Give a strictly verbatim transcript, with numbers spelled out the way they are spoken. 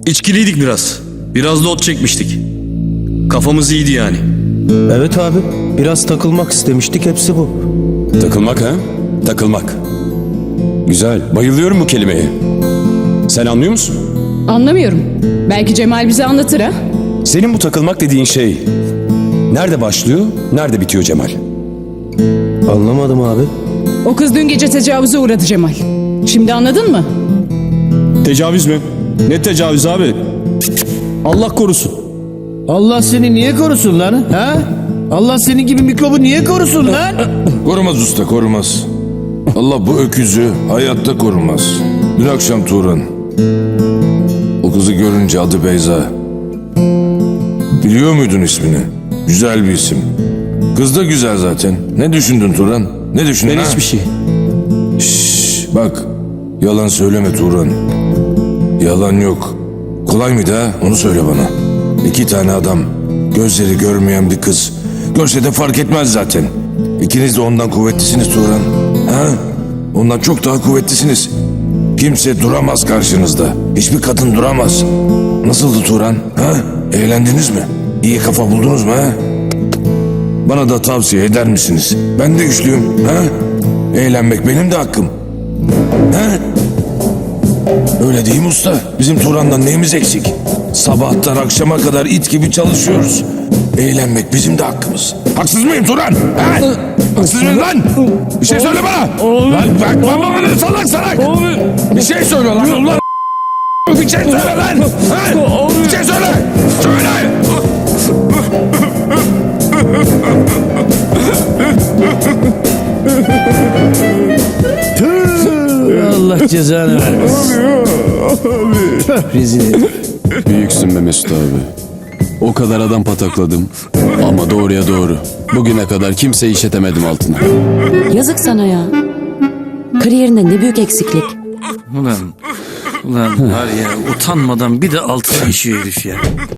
İçkiliydik biraz. Biraz da ot çekmiştik. Kafamız iyiydi yani. Evet abi, biraz takılmak istemiştik, hepsi bu. Takılmak ha? Takılmak. Güzel. Bayılıyorum bu kelimeye. Sen anlıyor musun? Anlamıyorum. Belki Cemal bize anlatır ha? Senin bu takılmak dediğin şey nerede başlıyor, nerede bitiyor Cemal? Anlamadım abi. O kız dün gece tecavüze uğradı Cemal. Şimdi anladın mı? Tecavüz mü? Ne tecavüz abi? Allah korusun. Allah seni niye korusun lan? Ha? Allah senin gibi mikrobu niye korusun lan? Korumaz usta, korumaz. Allah bu öküzü hayatta korumaz. Dün akşam Turan, o kızı görünce adı Beyza. Biliyor muydun ismini? Güzel bir isim. Kız da güzel zaten. Ne düşündün Turan? Ne düşündün Ben ha? hiçbir şey. Şşş, bak, yalan söyleme Turan. Yalan yok. Kolay mıydı ha? Onu söyle bana. İki tane adam, gözleri görmeyen bir kız. Görse de fark etmez zaten. İkiniz de ondan kuvvetlisiniz Turan. Ha? Ondan çok daha kuvvetlisiniz. Kimse duramaz karşınızda. Hiçbir kadın duramaz. Nasıldı Turan? Ha? Eğlendiniz mi? İyi kafa buldunuz mu ha? Bana da tavsiye eder misiniz? Ben de güçlüyüm. Ha? Eğlenmek benim de hakkım. Ha? Öyle değil mi usta? Bizim Turan'dan neyimiz eksik? Sabahtan akşama kadar it gibi çalışıyoruz. Eğlenmek bizim de hakkımız. Haksız mıyım Turan? Ha? Haksız mıyım lan? Bir şey söyle bana. Lan bak baba bana salak salak. Bir şey söyle lan. Ulan bir şey söyle lan. Ha? Bir şey söyle. Söyle. Allah cezanı vermesin. Tüh, rezil herif. Büyüksün be Mesut abi. O kadar adam patakladım. Ama doğruya doğru. Bugüne kadar kimseyi işetemedim altına. Yazık sana ya. Kariyerinde ne büyük eksiklik. Ulan, ulan var ya utanmadan bir de altına işiyor herif ya.